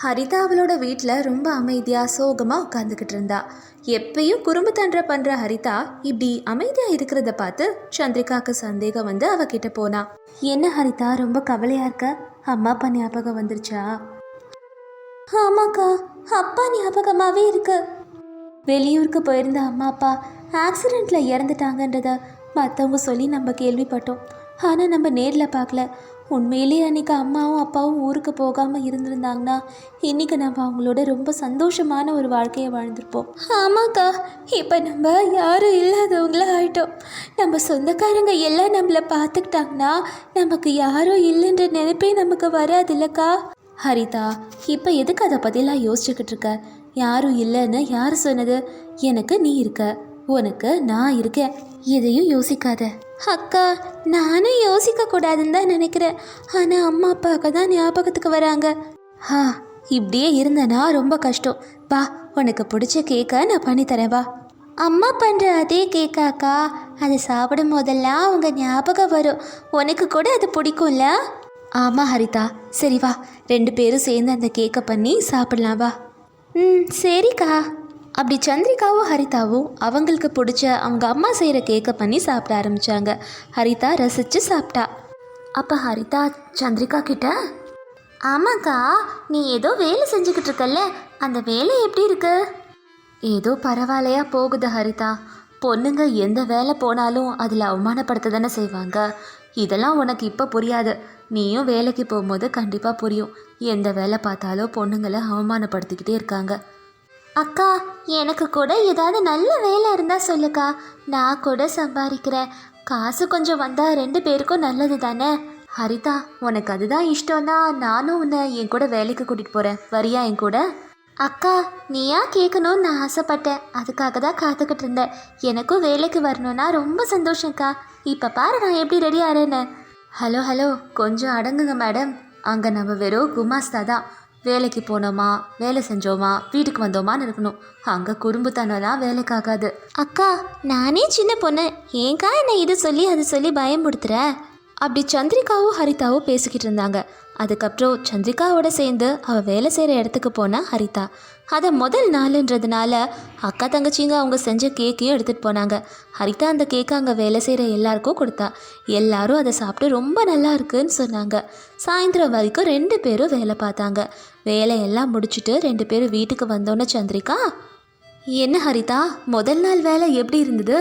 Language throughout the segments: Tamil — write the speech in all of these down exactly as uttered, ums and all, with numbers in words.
ஹரிதா அவளோட வீட்டில் ரொம்ப அமைதியாக சோகமாக உட்காந்துக்கிட்டு இருந்தா. எப்பயும் குறும்பு தண்டை பண்ணுற ஹரிதா இப்படி அமைதியாக இருக்கிறத பார்த்து சந்திரிகாவுக்கு சந்தேகம் வந்து அவகிட்ட போனா. என்ன ஹரிதா, ரொம்ப கவலையாக இருக்க? அம்மா அப்பா ஞாபகம் வந்துருச்சா? ஆமாக்கா, அப்பா ஞாபகமாகவே இருக்கு. வெளியூருக்கு போயிருந்த அம்மா அப்பா ஆக்சிடெண்ட்டில் இறந்துட்டாங்கன்றத மற்றவங்க சொல்லி நம்ம கேள்விப்பட்டோம். ஆனால் நம்ம நேரில் பார்க்கல. உண்மையிலேயே அன்றைக்கி அம்மாவும் அப்பாவும் ஊருக்கு போகாமல் இருந்திருந்தாங்கன்னா இன்றைக்கி நம்ம அவங்களோட ரொம்ப சந்தோஷமான ஒரு வாழ்க்கையை வாழ்ந்திருப்போம். ஆமாக்கா, இப்போ நம்ம யாரும் இல்லாதவங்கள ஆகிட்டோம். நம்ம சொந்தக்காரங்க எல்லாம் நம்மளை பார்த்துக்கிட்டாங்கன்னா நமக்கு யாரும் இல்லைன்ற நினைப்பே நமக்கு வராது இல்லைக்கா? ஹரிதா, இப்போ எதுக்கு அதை பற்றிலாம் யோசிச்சுக்கிட்டு இருக்க? யாரும் இல்லைன்னு யார் சொன்னது? எனக்கு நீ இருக்க, உனக்கு நான் இருக்கேன். எதையும் யோசிக்காத. அக்கா, நானும் யோசிக்க கூடாதுன்னு தான் நினைக்கிறேன். ஆனால் அம்மா அப்பாவுக்கு தான் ஞாபகத்துக்கு வராங்க. ஆ, இப்படியே இருந்தனா ரொம்ப கஷ்டம். வா, உனக்கு பிடிச்ச கேக்கை நான் பண்ணித்தரேன் வா. அம்மா பண்ணுற அதே கேக்காக்கா, அதை சாப்பிடும் போதெல்லாம் அவங்க ஞாபகம் வரும். உனக்கு கூட அது பிடிக்கும்ல? ஆமாம் ஹரிதா, சரி வா, ரெண்டு பேரும் சேர்ந்து அந்த கேக்கை பண்ணி சாப்பிடலாம் வா. ம், சரிக்கா. அப்படி சந்திரிகாவும் ஹரிதாவும் அவங்களுக்கு பிடிச்ச அவங்க அம்மா செய்கிற கேக்கை பண்ணி சாப்பிட ஆரம்பித்தாங்க. ஹரிதா ரசித்து சாப்பிட்டா. அப்போ ஹரிதா சந்திரிகா கிட்ட, ஆமாக்கா, நீ ஏதோ வேலை செஞ்சுக்கிட்டு இருக்கல்ல, அந்த வேலை எப்படி இருக்கு? ஏதோ பரவாயில்லையா போகுது ஹரிதா. பொண்ணுங்க எந்த வேலை போனாலும் அதில் அவமானப்படுத்த தானே செய்வாங்க. இதெல்லாம் உனக்கு இப்போ புரியாது. நீயும் வேலைக்கு போகும்போது கண்டிப்பாக புரியும். எந்த வேலை பார்த்தாலும் பொண்ணுங்களை அவமானப்படுத்திக்கிட்டே இருக்காங்க. அக்கா, எனக்கு கூட ஏதாவது நல்ல வேலை இருந்தால் சொல்லுக்கா, நான் கூட சம்பாதிக்கிறேன். காசு கொஞ்சம் வந்தால் ரெண்டு பேருக்கும் நல்லது தானே? ஹரிதா, உனக்கு அதுதான் இஷ்டம்னா நானும் உன்னை என் கூட வேலைக்கு கூட்டிகிட்டு போகிறேன். வரியா என் கூட? அக்கா, நீயா கேட்கணும்னு நான் ஆசைப்பட்டேன், அதுக்காக தான் காத்துக்கிட்டு இருந்தேன். எனக்கும் வேலைக்கு வரணும்னா ரொம்ப சந்தோஷம்க்கா. இப்போ பாரு நான் எப்படி ரெடி ஆகிறேன்னு. ஹலோ ஹலோ, கொஞ்சம் அடங்குங்க மேடம். அங்கே நம்ம வெறும் குமாஸ்தா தான். வேலைக்கு போனோமா, வேலை செஞ்சோமா, வீட்டுக்கு வந்தோமான்னு இருக்கணும். அங்கே குறும்புத்தனம்லாம் வேலைக்காகாது. அக்கா, நானே சின்ன பொண்ணு, ஏங்கா என்னை இது சொல்லி அது சொல்லி பயமுடுத்துற? அப்படி சந்திரிகாவும் ஹரிதாவும் பேசிக்கிட்டு இருந்தாங்க. அதுக்கப்புறம் சந்திரிகாவோட சேர்ந்து அவள் வேலை செய்கிற இடத்துக்கு போனால் ஹரிதா. அதை முதல் நாளுன்றதுனால அக்கா தங்கச்சிங்க அவங்க செஞ்ச கேக்கையும் எடுத்துகிட்டு போனாங்க. ஹரிதா அந்த கேக்கை அங்கே வேலை செய்கிற எல்லாருக்கும் கொடுத்தா. எல்லாரும் அதை சாப்பிட்டு ரொம்ப நல்லா இருக்குன்னு சொன்னாங்க. சாயந்தரம் வரைக்கும் ரெண்டு பேரும் வேலை பார்த்தாங்க. வேலையெல்லாம் முடிச்சுட்டு ரெண்டு பேரும் வீட்டுக்கு வந்தோன்னே சந்திரிகா, என்ன ஹரிதா, முதல் நாள் வேலை எப்படி இருந்தது?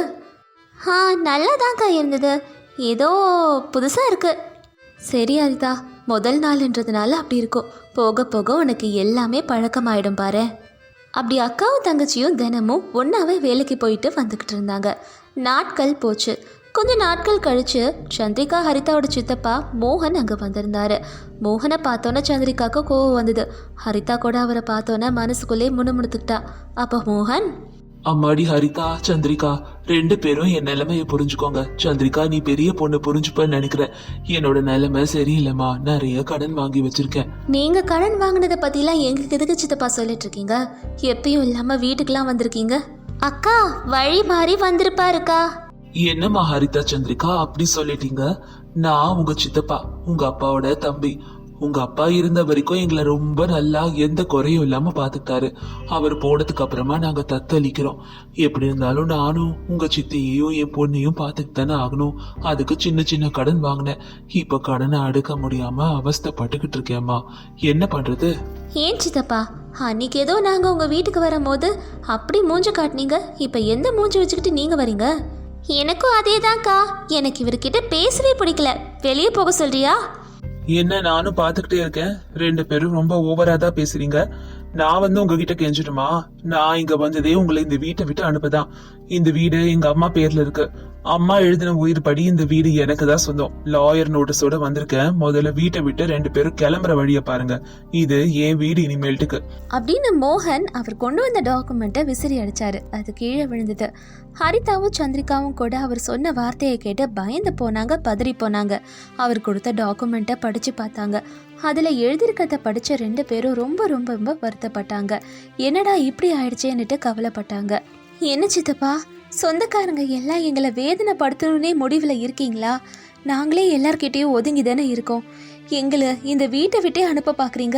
ஆ, நல்லாதான்க்கா இருந்தது. ஏதோ புதுசாக இருக்குது. சரி ஹரிதா, முதல் நாள்ன்றதுனால அப்படி இருக்கும். போக போக உனக்கு எல்லாமே பழக்கமாயிடும் பாரு. அப்படி அக்காவும் தங்கச்சியும் தினமும் ஒன்றாவே வேலைக்கு போயிட்டு வந்துக்கிட்டு இருந்தாங்க. நாட்கள் போச்சு. கொஞ்சம் நாட்கள் கழித்து சந்திரிகா ஹரிதாவோட சித்தப்பா மோகன் அங்கே வந்திருந்தார். மோகனை பார்த்தோன்னே சந்திரிகாவுக்கு கோவம் வந்தது. ஹரிதா கூட அவரை பார்த்தோன்னே மனசுக்குள்ளே முணுமுணுத்துக்கிட்டா. அப்போ மோகன், அம்மாடி ஹரிதா, சந்திரிகா, ரெண்டு பேரும் என் நிலைமையை புரிஞ்சுக்கோங்க. சந்திரிகா, நீ பெரிய பொண்ணு புரிஞ்சுப்பன்னு நினைக்கிறேன். என்னோட நிலைமை சரியில்லைம்மா, நிறைய கடன் வாங்கி வச்சிருக்கேன். நீங்க கடன் வாங்கினதை பத்திலாம் எங்களுக்கு எதுக்கு சித்தப்பா சொல்லிட்டு இருக்கீங்க? எப்பயும் இல்லாம வீட்டுக்கெல்லாம் வந்திருக்கீங்க. அக்கா, வழி மாறி வந்திருப்பாருக்கா. என்னம்மா ஹரிதா, சந்திரிகா அப்படி சொல்லிட்டீங்க? நான் உங்க சித்தப்பா, உங்க அப்பாவோட தம்பி. உங்க அப்பா இருந்த வரைக்கும் எங்களை ரொம்ப நல்லா எந்த குறையும் இல்லாம பாத்துக்கிட்டாரு. அவர் போனதுக்கு அப்புறமா நாங்க தத்தளிக்கிறோம். எப்படி இருந்தாலும் நானும் உங்க சித்தியையும் என் பொண்ணையும் பாத்துக்கிட்டு தானே ஆகணும். அதுக்கு சின்ன சின்ன கடன் வாங்கினேன். இப்ப கடனை அடுக்க முடியாம அவஸ்தைப்பட்டுக்கிட்டு இருக்கேம்மா. என்ன பண்றது? ஏன் சித்தப்பா, அன்னைக்கு ஏதோ நாங்க உங்க வீட்டுக்கு வரும்போது அப்படி மூஞ்ச காட்டினீங்க, இப்ப எந்த மூஞ்சி வச்சுக்கிட்டு நீங்க வரீங்க? எனக்கும் அதேதான்க்கா. எனக்கு இவர்கிட்ட பேசவே பிடிக்கல. வெளியே போக சொல்றியா? என்ன, நானும் பாத்துக்கிட்டே இருக்கேன். ரெண்டு பேரும் ரொம்ப ஓவரா தான் பேசுறீங்க. நான் வந்து உங்ககிட்ட கெஞ்சிடுமா? நான் இங்க வந்ததே உங்களை இந்த வீட்டை விட்டு அனுப்பதான். இந்த வீடு எங்க அம்மா பேர்ல இருக்கு. அம்மா எழுதின உயிர் படி இந்த வீடு எனக்கு தான் சொந்தம். லாயர் நோட்டீஸோட வந்திருக்கேன். முதல்ல வீட்டை விட்டு ரெண்டு பேரும் கிளம்புற வழிய பாருங்க. இது என் வீடு இனிமேல்ட்டுக்கு அப்படின்னு மோகன் அவர் கொண்டு வந்த டாக்குமெண்ட்டை விசிறி அடிச்சாரு. அது கீழே விழுந்தது. ஹரிதாவும் சந்திரிகாவும் கூட அவர் சொன்ன வார்த்தையை கேட்டு பயந்து போனாங்க, பதறி போனாங்க. அவர் கொடுத்த டாக்குமெண்ட்டை படிச்சு பார்த்தாங்க. அதில் எழுதியிருக்கிறத படித்த ரெண்டு பேரும் ரொம்ப ரொம்ப ரொம்ப வருத்தப்பட்டாங்க. என்னடா இப்படி ஆயிடுச்சேன்னுட்டு கவலைப்பட்டாங்க. என்ன சித்தப்பா, சொந்தக்காரங்க எல்லாம் எங்களை வேதனைப்படுத்தணுன்னே முடிவில் இருக்கீங்களா? நாங்களே எல்லார்கிட்டேயும் ஒதுங்கி தானே இருக்கோம். எங்களை இந்த வீட்டை விட்டே அனுப்ப பார்க்குறீங்க.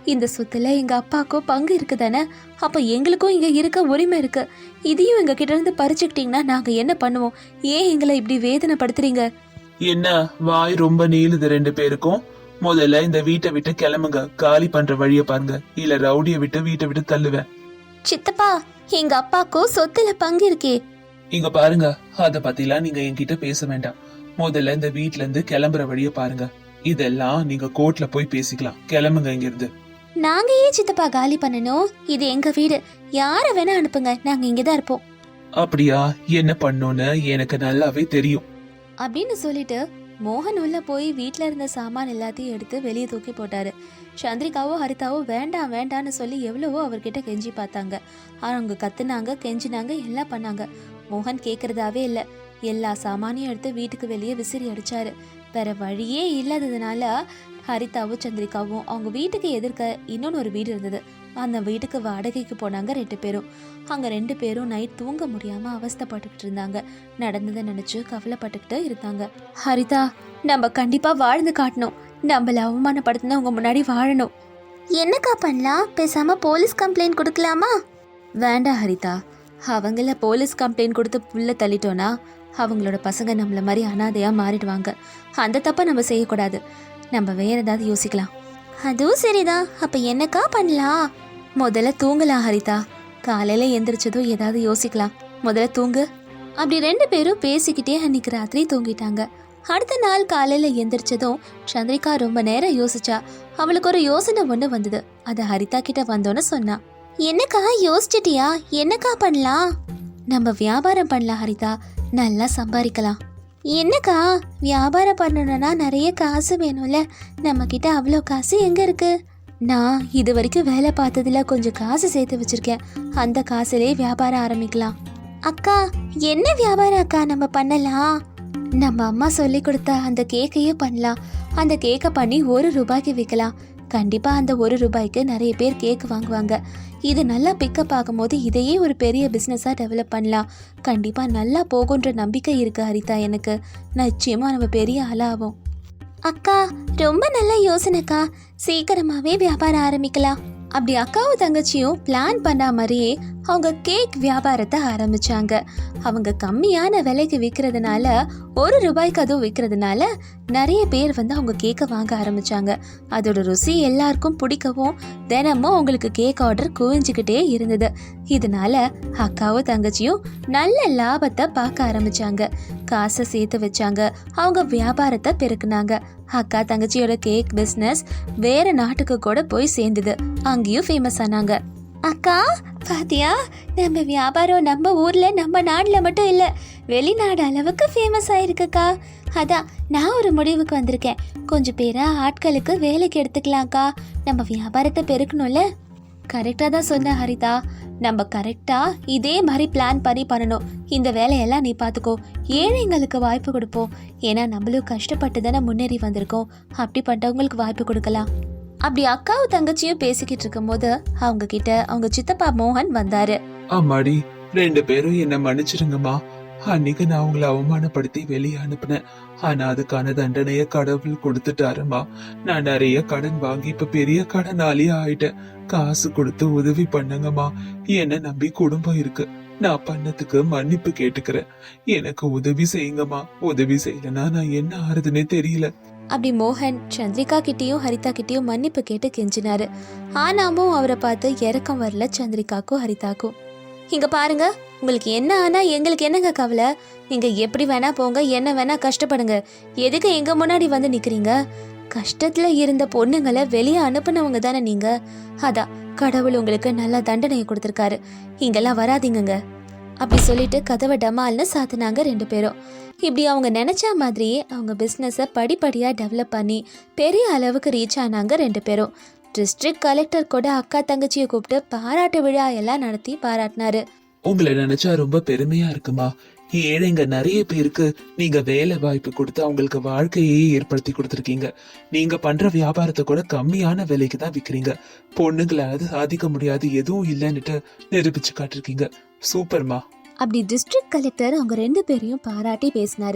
இந்த சொத்துல எங்க அப்பாவுக்கும் பங்கு இருக்கு தானே, அப்ப எங்களுக்கும் இங்க இருக்க உரிமை இருக்கு. இதையும் எங்க கிட்ட இருந்து பறிச்சுக்கிட்டீங்கன்னா நாங்க என்ன பண்ணுவோம்? ஏன் எங்களை இப்படி வேதனைப்படுத்துறீங்க? என்ன வாய் ரொம்ப நீளுது ரெண்டு பேருக்கும்? முதல்ல இந்த வீட்டை விட்டு கிளம்புங்க, காலி பண்ற வழிய பாருங்க, இல்ல ரவுடிய விட்டு வீட்டை விட்டு தள்ளுவேன். சித்தப்பா, எங்க அப்பாவுக்கும் சொத்துல பங்கு இருக்கே. இங்க பாருங்க, அத பத்திலாம் நீங்க என்கிட்ட பேச வேண்டாம். முதல்ல இந்த வீட்ல இருந்து கிளம்புற வழிய பாருங்க. இதெல்லாம் நீங்க கோர்ட்ல போய் பேசிக்கலாம். கிளம்புங்க இங்க இருந்து. நாங்க ஏன் சித்தப்பா காலி பண்ணணும்? இது எங்க வீடு, யார வேணா அனுப்புங்க, நாங்க இங்கதான் இருப்போம். அப்படியா? என்ன பண்ணோன்னு எனக்கு நல்லாவே தெரியும் அப்படின்னு சொல்லிட்டு மோகன் உள்ள போய் வீட்ல இருந்த சாமான் எல்லாத்தையும் எடுத்து வெளியே தூக்கி போட்டாரு. சந்திரிகாவோ ஹரிதாவோ வேண்டாம் வேண்டான்னு சொல்லி எவ்வளவோ அவர்கிட்ட கெஞ்சி பார்த்தாங்க. அவங்க கத்துனாங்க, கெஞ்சினாங்க, எல்லாம் பண்ணாங்க. மோகன் கேக்குறதாவே இல்லை. எல்லா சாமானையும் எடுத்து வீட்டுக்கு வெளியே விசிறி அடிச்சாரு. வேற வழியே இல்லாததுனால ஹரிதாவும் சந்திரிகாவும் அவங்க வீட்டுக்கு எதிர்க்க இன்னொன்று ஒரு வீடு இருந்தது. அந்த வீட்டுக்கு வாடகைக்கு போனாங்க ரெண்டு பேரும். அங்க ரெண்டு பேரும் நைட் தூங்க முடியாம அவஸ்தைப்பட்டுக்கிட்டு இருந்தாங்க. நடந்ததை நினைச்சு கவலைப்பட்டுக்கிட்டு இருந்தாங்க. ஹரிதா, நம்ம கண்டிப்பா வாழ்ந்து காட்டணும். நம்மள அவமானப்படுத்தினா உங்க முன்னாடி வாழணும். என்னக்கா பண்ணலாம்? பேசாம போலீஸ் கம்ப்ளைண்ட் கொடுக்கலாமா? வேண்டாம் ஹரிதா, அவங்கள போலீஸ் கம்ப்ளைண்ட் கொடுத்து புள்ள தள்ளிட்டோன்னா அவங்களோட பசங்க நம்மள மாதிரி அனாதையா மாறிடுவாங்க. அந்த தப்பை நம்ம செய்யக்கூடாது. நம்ம வேற ஏதாவது யோசிக்கலாம். அதுவும் சரிதான். அப்ப என்னக்கா பண்ணலாம்? முதல்ல தூங்கலாம் ஹரிதா. காலையில எந்திரிச்சதும் ஏதாவது யோசிக்கலாம். முதல்ல தூங்கு. அப்படி ரெண்டு பேரும் பேசிக்கிட்டே அன்னைக்கு ராத்திரி தூங்கிட்டாங்க. அடுத்த நாள் காலையில எந்திரிச்சதும் சந்திரிகா ரொம்ப நேரம் யோசிச்சா. அவளுக்கு ஒரு யோசனை ஒண்ணு வந்தது. அத ஹரிதா கிட்ட வந்தோன்னு சொன்னா. என்னக்கா யோசிச்சிட்டியா? என்னக்கா பண்ணலாம்? நம்ம வியாபாரம் பண்ணலாம் ஹரிதா, நல்லா சம்பாதிக்கலாம். என்னக்கா, வியாபாரம் பண்ணணும்னா நிறைய காசு வேணும்ல, நம்ம கிட்ட அவ்வளோ காசு எங்க இருக்கு? நான் இது வரைக்கும் வேலை பார்த்ததுல கொஞ்சம் காசு சேர்த்து வச்சிருக்கேன். அந்த காசுலேயே வியாபாரம் ஆரம்பிக்கலாம். அக்கா, என்ன வியாபாரம் அக்கா நம்ம பண்ணலாம்? நம்ம அம்மா சொல்லி கொடுத்த அந்த கேக்கையே பண்ணலாம். அந்த கேக்கை பண்ணி ஒரு ரூபாய்க்கு விற்கலாம். கண்டிப்பா அந்த ஒரு ரூபாய்க்கு நிறைய பேர் கேக் வாங்குவாங்க. இது நல்லா பிக்கப் ஆகும்போது இதையே ஒரு பெரிய பிஸ்னஸாக டெவலப் பண்ணலாம். கண்டிப்பா நல்லா போகுன்ற நம்பிக்கை இருக்கு ஹரிதா எனக்கு. நிச்சயமா நம்ம பெரிய ஆளாகும். அக்கா, ரொம்ப நல்ல யோசனைக்கா. சீக்கிரமாவே வியாபாரம் ஆரம்பிக்கலாம். அப்படி அக்காவும் தங்கச்சியும் பிளான் பண்ண மாதிரியே அவங்க கேக் வியாபாரத்தை ஆரம்பிச்சாங்க. அவங்க கம்மியான விலைக்கு விற்கிறதுனால, ஒரு ரூபாய்க்கு அதுவும் விற்கிறதுனால நிறைய பேர் வந்து அவங்க கேக்கை வாங்க ஆரம்பிச்சாங்க. அதோட ருசி எல்லாருக்கும் பிடிக்கவும் தினமும் அவங்களுக்கு கேக் ஆர்டர் குவிஞ்சுக்கிட்டே இருந்தது. இதனால அக்காவும் தங்கச்சியும் நல்ல லாபத்தை பார்க்க ஆரம்பிச்சாங்க. காசை சேர்த்து வச்சாங்க. அவங்க வியாபாரத்தை பெருக்குனாங்க. அக்கா தங்கச்சியோட கேக் பிஸ்னஸ் வேற நாட்டுக்கு கூட போய் சேர்ந்தது. அங்கேயும் ஃபேமஸ் ஆனாங்க. அக்கா பாத்தியா, நம்ம வியாபாரம் நம்ம ஊர்ல நம்ம நாட்டுல மட்டும் இல்ல, வெளிநாடு அளவுக்கு ஃபேமஸ் ஆயிருக்குக்கா. அதான் நான் ஒரு முடிவுக்கு வந்திருக்கேன். கொஞ்சம் பேரை ஆட்களுக்கு வேலைக்கு எடுத்துக்கலாம்க்கா. நம்ம வியாபாரத்தை பெருக்கணும்ல. கரெக்டா தான் சொன்ன ஹரிதா. நம்ம கரெக்டா இதே மாதிரி பிளான் பண்ணி பண்ணணும். இந்த வேலையெல்லாம் நீ பார்த்துக்கோ. ஏழைங்களுக்கு வாய்ப்பு கொடுப்போம். ஏன்னா நம்மளும் கஷ்டப்பட்டு தானே முன்னேறி வந்திருக்கோம். அப்படி பண்றவங்களுக்கு வாய்ப்பு கொடுக்கலாம். அப்படி அக்காவும் தங்கச்சியும் பேசிக்கிட்டு இருக்கும் போது அவங்க கிட்ட அவங்க சித்தப்பா மோகன் வந்தாரு. அம்மாடி, ரெண்டு பேரும் என்ன மன்னிச்சிருங்கம்மா. அன்னைக்கு நான் உங்களை அவமானப்படுத்தி வெளியே அனுப்புனேன். ஆனா அதுக்கான தண்டனைய கடவுள் கொடுத்துட்டாருமா. நான் நிறைய கடன் வாங்கி இப்ப பெரிய கடனாளியா ஆயிட்டேன். காசு கொடுத்து உதவி பண்ணுங்கம்மா. என்ன நம்பி குடும்பம் இருக்கு. நான் பண்ணதுக்கு மன்னிப்பு கேட்டுக்கிறேன். எனக்கு உதவி செய்யுங்கம்மா. உதவி செய்யலன்னா நான் என்ன ஆறுதுன்னே தெரியல. அப்படி மோகன் சந்திரிகா கிட்டேயும் ஹரிதா கிட்டேயும் மன்னிப்பு கேட்டு கெஞ்சினாரு. ஆனாமும் அவரை பார்த்து இறக்கம் வரல சந்திரிகாக்கும் ஹரிதாக்கும். இங்க பாருங்க, உங்களுக்கு என்ன ஆனா எங்களுக்கு என்னங்க கவலை? நீங்க எப்படி வேணா போங்க, என்ன வேணா கஷ்டப்படுங்க. எதுக்கு எங்க முன்னாடி வந்து நிக்கிறீங்க? கஷ்டத்துல இருந்த பொண்ணுங்களை வெளியே அனுப்புனவங்க தானே நீங்க. அதான் கடவுள் உங்களுக்கு நல்ல தண்டனையை கொடுத்துருக்காரு. இங்கெல்லாம் வராதிங்க. அப்படி சொல்லிட்டு கதவை டமால்னு சாத்தினாங்க ரெண்டு பேரும். இப்படி அவங்க நினைச்ச மாதிரியே அவங்க பிஸ்னஸை படிப்படியாக டெவலப் பண்ணி பெரிய அளவுக்கு ரீச் ஆனாங்க ரெண்டு பேரும். டிஸ்ட்ரிக்ட் கலெக்டர் கூட அக்கா தங்கச்சியை கூப்பிட்டு பாராட்டு விழா எல்லாம் நடத்தி பாராட்டினாரு. உங்களை நினைச்சா ரொம்ப பெருமையா இருக்குமா. ஏழைங்க நிறைய பேருக்கு நீங்க வேலை வாய்ப்பு கொடுத்து அவங்களுக்கு வாழ்க்கையே ஏற்படுத்தி கொடுத்துருக்கீங்க. நீங்க பண்ற வியாபாரத்தை கூட கம்மியான விலைக்கு தான் விற்கிறீங்க. பொண்ணுங்களாவது சாதிக்க முடியாது எதுவும் இல்லைன்னுட்டு நிரூபிச்சு காட்டிருக்கீங்க. சூப்பர்மா. அப்படி டிஸ்ட்ரிக்ட் கலெக்டர் அவங்க ரெண்டு பேரையும் பாராட்டி பேசினாரு.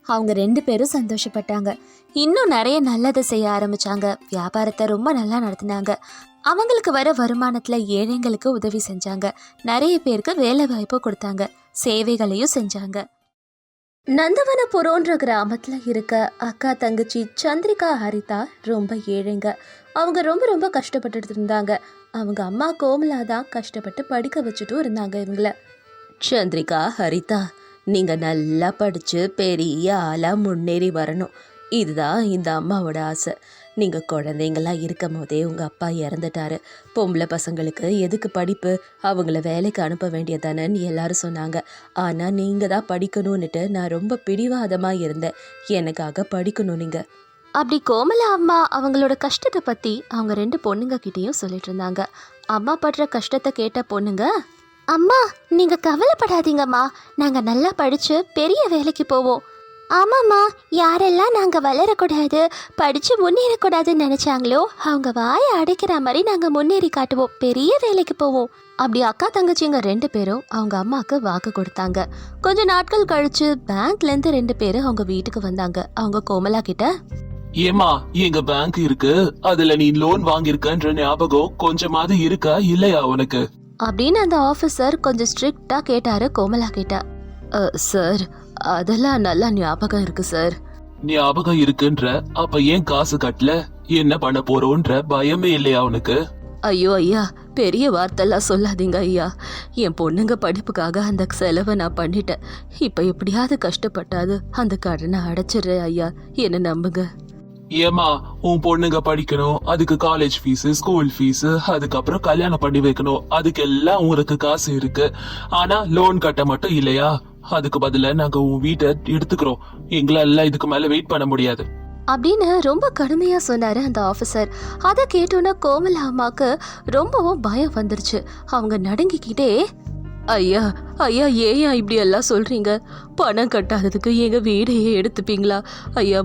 அவங்க ரெண்டு பேரும் சந்தோஷப்பட்டாங்க. இன்னும் நிறைய நல்லதை செய்ய ஆரம்பிச்சாங்க. வியாபாரத்தை ரொம்ப நல்லா நடத்தினாங்க. அவங்களுக்கு வர வருமானத்துல ஏழைங்களுக்கு உதவி செஞ்சாங்க. நிறைய பேருக்கு வேலை வாய்ப்பு கொடுத்தாங்க. சேவைகளையும் செஞ்சாங்க. நந்தவனபுரம்ன்ற கிராமத்துல இருக்க அக்கா தங்கச்சி சந்திரிகா ஹரிதா ரொம்ப ஏழைங்க. அவங்க ரொம்ப ரொம்ப கஷ்டப்பட்டுட்டு இருந்தாங்க. அவங்க அம்மா கோமலா தான் கஷ்டப்பட்டு படிக்க வச்சுட்டும் இருந்தாங்க இவங்கள. சந்திரிகா, ஹரிதா, நீங்க நல்லா படிச்சு பெரிய ஆளா முன்னேறி வரணும், இதுதான் இந்த அம்மாவோட ஆசை. நீங்க குழந்தைங்களா இருக்கும் போதே உங்க அப்பா இறந்துட்டாரு. பொம்பளை பசங்களுக்கு எதுக்கு படிப்பு, அவங்கள வேலைக்கு அனுப்ப வேண்டியதானன்னு எல்லாரும் சொன்னாங்க. ஆனா நீங்க தான் படிக்கணும்னுட்டு நான் ரொம்ப பிடிவாதமா இருந்தேன். எனக்காக படிக்கணும் நீங்க. அப்படி கோமலா அம்மா அவங்களோட கஷ்டத்தை பற்றி அவங்க ரெண்டு பொண்ணுங்க கிட்டேயும் சொல்லிட்டு இருந்தாங்க. அம்மா படுற கஷ்டத்தை கேட்ட பொண்ணுங்க, அம்மா நீங்கள் கவலைப்படாதீங்கம்மா, நாங்கள் நல்லா படித்து பெரிய வேலைக்கு போவோம். ஆமாம்மா, யாரெல்லாம் நாங்கள் வளரக்கூடாது, படித்து முன்னேறக்கூடாதுன்னு நினச்சாங்களோ அவங்க வாயை அடைக்கிற மாதிரி நாங்கள் முன்னேறி காட்டுவோம், பெரிய வேலைக்கு போவோம். அப்படி அக்கா தங்கச்சிங்க ரெண்டு பேரும் அவங்க அம்மாவுக்கு வாக்கு கொடுத்தாங்க. கொஞ்ச நாட்கள் கழிச்சு பேங்க்லேருந்து ரெண்டு பேரும் அவங்க வீட்டுக்கு வந்தாங்க. அவங்க கோமலா கிட்ட, ஏமா எங்க பேங்க் இருக்கு, அதுல நீ லோன் வாங்கியிருக்கன்ற ஞாபகம் கொஞ்சமாவது இருக்கா இல்லையா உனக்கு அப்படின்னு அந்த ஆஃபீஸர் கொஞ்சம் ஸ்ட்ரிக்டா கேட்டாரு கோமலா கிட்ட. சார், அதெல்லாம் நல்லா ஞாபகம் இருக்கு சார். ஞாபகம் இருக்குன்ற அப்ப ஏன் காசு கட்டல, என்ன பண்ண போறோன்ற பயமே இல்லையா உனக்கு? ஐயோ ஐயா, பெரிய வார்த்தைலாம் சொல்லாதீங்க ஐயா. என் பொண்ணுங்க படிப்புக்காக அந்த செலவை நான் பண்ணிட்டேன். இப்ப எப்படியாவது கஷ்டப்பட்டாது அந்த கடனை அடைச்சிடுறேன் ஐயா, என்ன நம்புங்க. ஏமா, உன் பொண்ணுங்க படிக்கணும், அதுக்கு காலேஜ் ஃபீஸ், ஸ்கூல் ஃபீஸ், அதுக்கப்புறம் கல்யாணம் பண்ணி வைக்கணும், அதுக்கெல்லாம் உங்களுக்கு காசு இருக்கு. ஆனா லோன் கட்ட மட்டும் இல்லையா? அதுக்கு பதிலா நாங்க உன் வீட்டை எடுத்துக்கிறோம், எங்களால இதுக்கு மேல வெயிட் பண்ண முடியாது அப்படின்னு ரொம்ப கடுமையா சொன்னாரு அந்த ஆபீசர். அதை கேட்டோன்னா கோமலா அம்மாக்கு ரொம்பவும் பயம் வந்துருச்சு. அவங்க நடுங்கிக்கிட்டே, ஐயா ஐயா ஏயா இப்படி எல்லாம் சொல்றீங்க, பணம் கட்டாததுக்கு எங்க வீடையே எடுத்துப்பீங்களா ஐயா?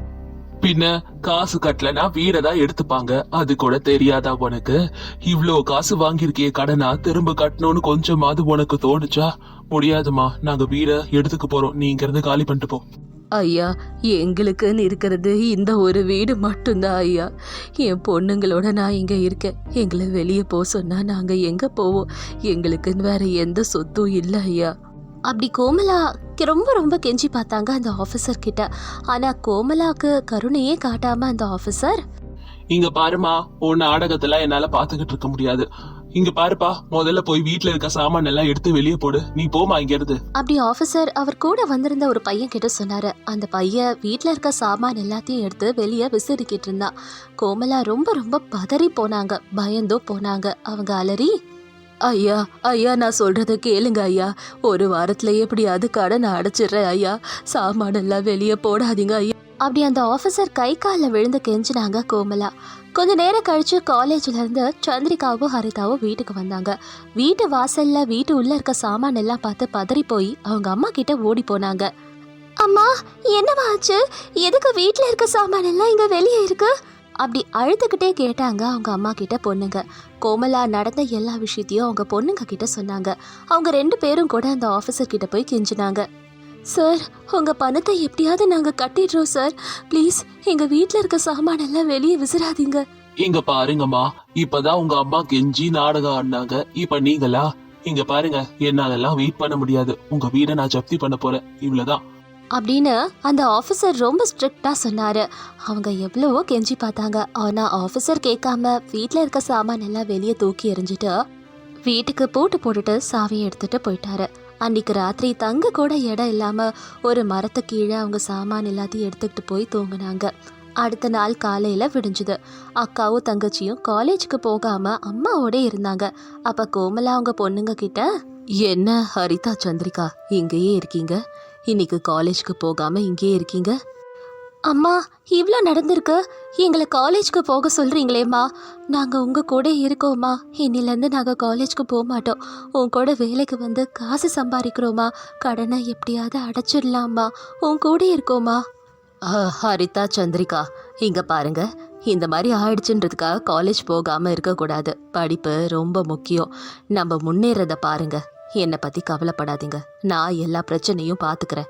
பின்ன காசு கட்டலனா வீடதான் எடுத்துப்பாங்க, அது கூட தெரியாதா உனக்கு? இவ்ளோ காசு வாங்கியிருக்கிய கடனா திரும்ப கட்டணும்னு கொஞ்சமாவது உனக்கு தோணுச்சா? முடியாதுமா, நாங்க வீட எடுத்துக்க போறோம், நீ இங்க இருந்து காலி பண்ணிட்டு போ. ஐயா, எங்களுக்குன்னு இருக்கிறது இந்த ஒரு வீடு மட்டும்தான் ஐயா. என் பொண்ணுங்களோட நான் இங்க இருக்கேன். எங்களை வெளியே போக சொன்னா நாங்க எங்க போவோம்? எங்களுக்குன்னு வேற எந்த சொத்தும் இல்லை ஐயா. அப்படி கோமலா ரொம்ப ரொம்ப கெஞ்சி பார்த்தாங்க அந்த ஆஃபீஸர் கிட்ட. ஆனா கோமலாக்கு கருணையே காட்டாம அந்த ஆஃபீஸர், இங்க பாருமா, உன் நாடகத்துல என்னால பாத்துக்கிட்டு இருக்க முடியாது. இங்க பாருப்பா, முதல்ல போய் வீட்டுல இருக்க சாமான் எல்லாம் எடுத்து வெளியே போடு, நீ போமா இங்க இருந்து. அப்படி ஆஃபீஸர் அவர் கூட வந்திருந்த ஒரு பையன் கிட்ட சொன்னாரு. அந்த பையன் வீட்டுல இருக்க சாமான் எல்லாத்தையும் எடுத்து வெளியே விசிறிக்கிட்டு இருந்தான். கோமலா ரொம்ப ரொம்ப பதறி போனாங்க, பயந்தோ போனாங்க. அவங்க அலறி, ஐயா ஐயா நான் சொல்றத கேளுங்க ஐயா, ஒரு வாரத்துல எப்படியாவது கடன் அடைச்சிடுறேன் ஐயா, சாமானெல்லாம் வெளியே போடாதீங்க ஐயா. அப்படி அந்த ஆஃபீஸர் கை காலில் விழுந்து கெஞ்சினாங்க கோமலா. கொஞ்ச நேரம் கழிச்சு காலேஜ்ல இருந்து சந்திரிகாவும் ஹரிதாவும் வீட்டுக்கு வந்தாங்க. வீட்டு வாசல்ல வீட்டு உள்ள இருக்க சாமான் எல்லாம் பார்த்து பதறி போய் அவங்க அம்மா கிட்ட ஓடி போனாங்க. அம்மா, என்னவா ஆச்சு? எதுக்கு வீட்டுல இருக்க சாமான் எல்லாம் இங்க வெளியே இருக்கு? அப்படி அழுதுகிட்டே கேட்டாங்க அவங்க அம்மா கிட்ட பொண்ணுங்க. கோமலா நடந்த எல்லா விஷயத்தையும் அவங்க பொண்ணுங்க கிட்ட சொன்னாங்க. அவங்க ரெண்டு பேரும் கூட அந்த ஆஃபீஸர் கிட்ட போய் கெஞ்சினாங்க. சார், உங்க பணத்தை எப்படியாவது நாங்க கட்டிடுறோம் சார், ப்ளீஸ் எங்க வீட்டுல இருக்க சாமான எல்லாம் வெளியே விசிறாதீங்க. இங்க பாருங்கம்மா, இப்பதான் உங்க அம்மா கெஞ்சி நாடகம் ஆடினாங்க, இப்ப நீங்களா? இங்க பாருங்க, என்னாலெல்லாம் வெயிட் பண்ண முடியாது, உங்க வீட நான் ஜப்தி பண்ண போறேன், இவ்வளவுதான் அப்படின்னு அந்த ஆஃபீஸர் ரொம்ப ஸ்ட்ரிக்டா சொன்னாரு. அவங்க எவ்வளவோ கெஞ்சி பார்த்தாங்க. ஆனா ஆஃபீஸர் கேட்காம வீட்டுல இருக்க சாமான் எல்லாம் வெளியே தூக்கி எறிஞ்சிட்டு வீட்டுக்கு பூட்டு போட்டுட்டு சாவியை எடுத்துட்டு போயிட்டாரு. அன்னைக்கு ராத்திரி தங்க கூட இடம் இல்லாம ஒரு மரத்து கீழே அவங்க சாமான் எல்லாத்தையும் எடுத்துக்கிட்டு போய் தூங்கினாங்க. அடுத்த நாள் காலையில விடிஞ்சுது. அக்காவும் தங்கச்சியும் காலேஜுக்கு போகாம அம்மாவோட இருந்தாங்க. அப்ப கோமலா அவங்க பொண்ணுங்க கிட்ட, என்ன ஹரிதா, சந்திரிகா இங்கேயே இருக்கீங்க, இன்னைக்கு காலேஜ்க்கு போகாம இங்கேயே இருக்கீங்க? அம்மா, இவ்வளோ நடந்திருக்கு, எங்களை காலேஜ்க்கு போக சொல்கிறீங்களேம்மா, நாங்கள் உங்கள் கூட இருக்கோம்மா, இன்னிலேருந்து நாங்கள் காலேஜ்க்கு போக மாட்டோம், உன் கூட வேலைக்கு வந்து காசு சம்பாதிக்கிறோம்மா, கடனை எப்படியாவது அடைச்சிடலாம்மா, உன் கூட இருக்கோம்மா. ஹரிதா, சந்திரிகா இங்கே பாருங்க, இந்த மாதிரி ஆயிடுச்சுன்றதுக்காக காலேஜ் போகாமல் இருக்கக்கூடாது, படிப்பு ரொம்ப முக்கியம், நம்ம முன்னேறதை பாருங்க, என்னை பற்றி கவலைப்படாதீங்க, நான் எல்லா பிரச்சனையும் பார்த்துக்கிறேன்.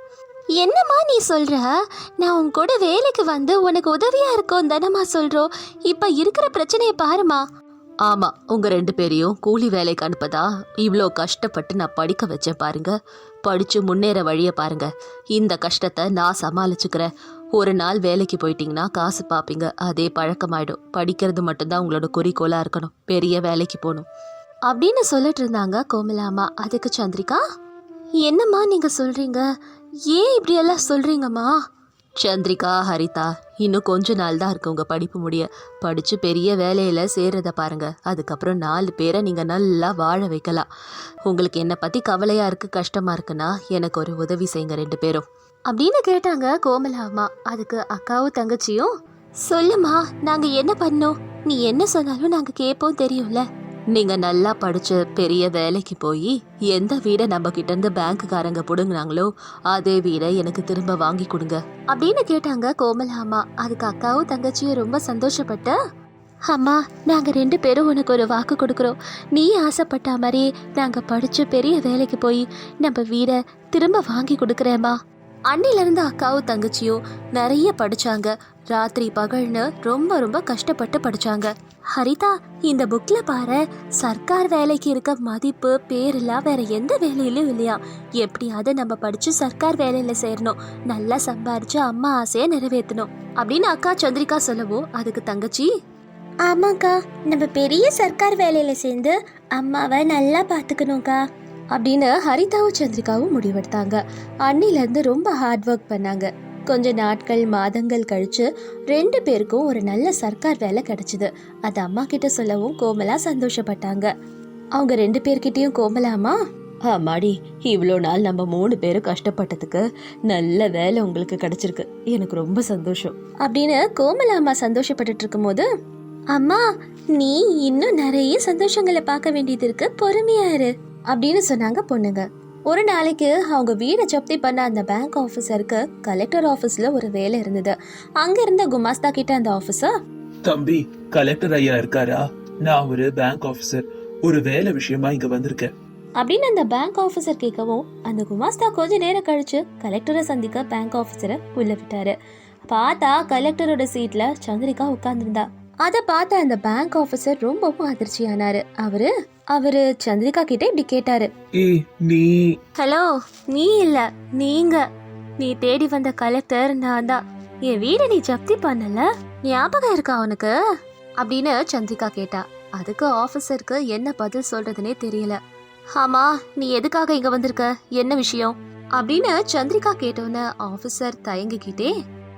என்னம்மா நீ சொல்ற? நான் உன் கூட வேலைக்கு வந்து உனக்கு உதவியா இருக்கோம் தானம்மா சொல்றோம். இப்ப இருக்கிற பிரச்சனையை பாருமா. ஆமா, உங்க ரெண்டு பேரையும் கூலி வேலைக்கு அனுப்பதா இவ்வளோ கஷ்டப்பட்டு நான் படிக்க வச்சேன் பாருங்க. படிச்சு முன்னேற வழியை பாருங்க. இந்த கஷ்டத்தை நான் சமாளிச்சுக்கிறேன். ஒரு நாள் வேலைக்கு போயிட்டீங்கன்னா காசு பார்ப்பீங்க. அதே பழக்கமாயிடும். படிக்கிறது மட்டும்தான் உங்களோட குறிக்கோளா இருக்கணும். பெரிய வேலைக்கு போகணும் அப்படின்னு சொல்லிட்டு இருந்தாங்க கோமலாமா. அதுக்கு சந்திரிகா, என்னம்மா நீங்க சொல்றீங்க? ஏன் இப்படி எல்லாம் சொல்றீங்கம்மா? சந்திரிகா, ஹரிதா, இன்னும் கொஞ்ச நாள் தான் இருக்கு உங்க படிப்பு முடிய. படிச்சு பெரிய வேலையில சேர்றத பாருங்க. அதுக்கப்புறம் நாலு பேரை நீங்க நல்லா வாழ வைக்கலாம். உங்களுக்கு என்னை பத்தி கவலையா இருக்கு, கஷ்டமா இருக்குன்னா எனக்கு ஒரு உதவி செய்யுங்க ரெண்டு பேரும் அப்படின்னு கேட்டாங்க கோமலா அம்மா. அதுக்கு அக்காவும் தங்கச்சியும், சொல்லுமா, நாங்க என்ன பண்ணோம்? நீ என்ன சொன்னாலும் நாங்க கேட்போம், தெரியும்ல. நீங்க நல்லா படிச்சு பெரிய வேலைக்கு போய் எந்த வீடை நம்ம கிட்ட இருந்து பேங்க்குக்காரங்க புடுங்கினாங்களோ அதே வீடை எனக்கு திரும்ப வாங்கி கொடுங்க அப்படின்னு கேட்டாங்க கோமலா அம்மா. அதுக்கு அக்காவும் தங்கச்சியும் ரொம்ப சந்தோஷப்பட்ட, அம்மா நாங்க ரெண்டு பேரும் உனக்கு ஒரு வாக்கு கொடுக்குறோம். நீ ஆசைப்பட்ட மாதிரி நாங்க படிச்சு பெரிய வேலைக்கு போய் நம்ம வீடை திரும்ப வாங்கி கொடுக்குறேம்மா. அன்னிலிருந்து அக்காவும் தங்கச்சியும் நிறைய படிச்சாங்க. ராத்திரி பகல்னு ரொம்ப ரொம்ப கஷ்டப்பட்டு படிச்சாங்க. ஹரிதா, இந்த புக்ல பாரு, சர்க்கார் வேலைக்கு இருக்க மதிப்பு பேரெல்லாம் வேற எந்த வேலையிலும் இல்லையா. எப்படியாவது நம்ம படிச்சு சர்க்கார் வேலையில சேரணும், நல்லா சம்பாரிச்சு அம்மா ஆசையை நிறைவேற்றணும் அப்படின்னு அக்கா சந்திரிகா சொல்லவோ அதுக்கு தங்கச்சி, ஆமாக்கா, நம்ம பெரிய சர்க்கார் வேலையில சேர்ந்து அம்மாவை நல்லா பார்த்துக்கணும்க்கா அப்படின்னு ஹரிதாவும் சந்திரிகாவும் முடிவெடுத்தாங்க. அன்னிலேருந்து ரொம்ப ஹார்ட் ஒர்க் பண்ணாங்க. கொஞ்ச நாட்கள் மாதங்கள் கழிச்சு ரெண்டு பேருக்கும் ஒரு நல்ல சர்க்கார் வேலை கிடைச்சிது. அது அம்மா கிட்ட சொல்லவும் கோமலா சந்தோஷப்பட்டாங்க. அவங்க ரெண்டு பேர்கிட்டயும் கோமலாமா, ஆமாடி, இவ்வளோ நாள் நம்ம மூணு பேரும் கஷ்டப்பட்டதுக்கு நல்ல வேலை உங்களுக்கு கிடைச்சிருக்கு, எனக்கு ரொம்ப சந்தோஷம் அப்படின்னு கோமலாமா சந்தோஷப்பட்டுட்டு இருக்கும் போது, அம்மா நீ இன்னும் நிறைய சந்தோஷங்களை பார்க்க வேண்டியது இருக்கு, பொறுமையா இரு அப்படின்னு சொன்னாங்க பொண்ணுங்க. ஒரு நாளைக்கு அவங்க வீடை ஜப்தி பண்ண அந்த பேங்க் ஆஃபீஸருக்கு கலெக்டர் ஆஃபீஸ்ல ஒரு வேலை இருந்தது. அங்க இருந்த குமாஸ்தா கிட்ட அந்த ஆஃபீஸர், தம்பி, கலெக்டர் ஐயா இருக்காரா? நான் ஒரு பேங்க் ஆபீசர், ஒரு வேலை விஷயமா இங்க வந்திருக்கேன் அப்படின்னு அந்த பேங்க் ஆஃபீஸர் கேட்கவும் அந்த குமாஸ்தா கொஞ்ச நேரம் கழிச்சு கலெக்டரை சந்திக்க பேங்க் ஆஃபீஸரை உள்ள விட்டாரு. பார்த்தா கலெக்டரோட சீட்ல சந்திரிகா உட்கார்ந்துருந்தா. அதை பார்த்த அந்த பேங்க் ஆஃபீஸர் ரொம்பவும் அதிர்ச்சியானாரு. அவரு அவரு சந்திரிகா கிட்ட இப்படி கேட்டாரு, ஏய் நீ? ஹலோ, நீ இல்ல, நீங்க. நீ தேடி வந்த கலெக்டர் நான் தான். என் வீட நீ ஜப்தி பண்ணல, ஞாபகம் இருக்கா உனக்கு அப்படின்னு சந்திரிகா கேட்டா. அதுக்கு ஆஃபீஸருக்கு என்ன பதில் சொல்றதுனே தெரியல. ஆமா, நீ எதுக்காக இங்க வந்திருக்க, என்ன விஷயம் அப்படின்னு சந்திரிகா கேட்டோன்னு ஆஃபீஸர் தயங்கிக்கிட்டே,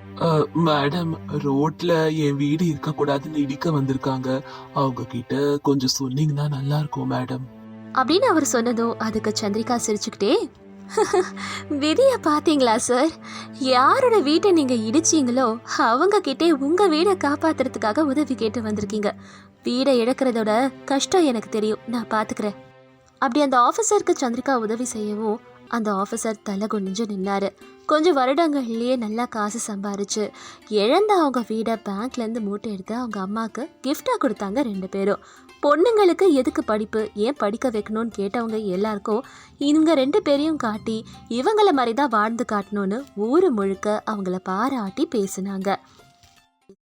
மேடம், ரோட்ல என் வீடு இருக்க கூடாதுன்னு இடிக்க வந்திருக்காங்க, அவங்க கிட்ட கொஞ்சம் சொன்னீங்கன்னா நல்லா இருக்கும் மேடம் அப்படின்னு அவர் சொன்னதும் அதுக்கு சந்திரிகா சிரிச்சுக்கிட்டே, விதிய பாத்தீங்களா சார், யாரோட வீட்டை நீங்க இடிச்சீங்களோ அவங்க கிட்டே உங்க வீடை காப்பாத்துறதுக்காக உதவி கேட்டு வந்திருக்கீங்க. வீடை இழக்கிறதோட கஷ்டம் எனக்கு தெரியும், நான் பாத்துக்கிறேன் அப்படி அந்த ஆஃபீஸருக்கு சந்திரிகா உதவி செய்யவும் அந்த ஆஃபீஸர் தலை குனிஞ்சு நின்னாரு. கொஞ்சம் வருடங்கள்லயே நல்லா காசு சம்பாரிச்சு இழந்த அவங்க வீடை பேங்க்லேருந்து மூட்டை எடுத்து அவங்க அம்மாவுக்கு கிஃப்டாக கொடுத்தாங்க ரெண்டு பேரும். பொண்ணுங்களுக்கு எதுக்கு படிப்பு, ஏன் படிக்க வைக்கணும்னு கேட்டவங்க எல்லாருக்கும் இவங்க ரெண்டு பேரையும் காட்டி இவங்கள மாதிரி தான் வாழ்ந்து காட்டணும்னு ஊர் முழுக்க அவங்கள பாராட்டி பேசினாங்க.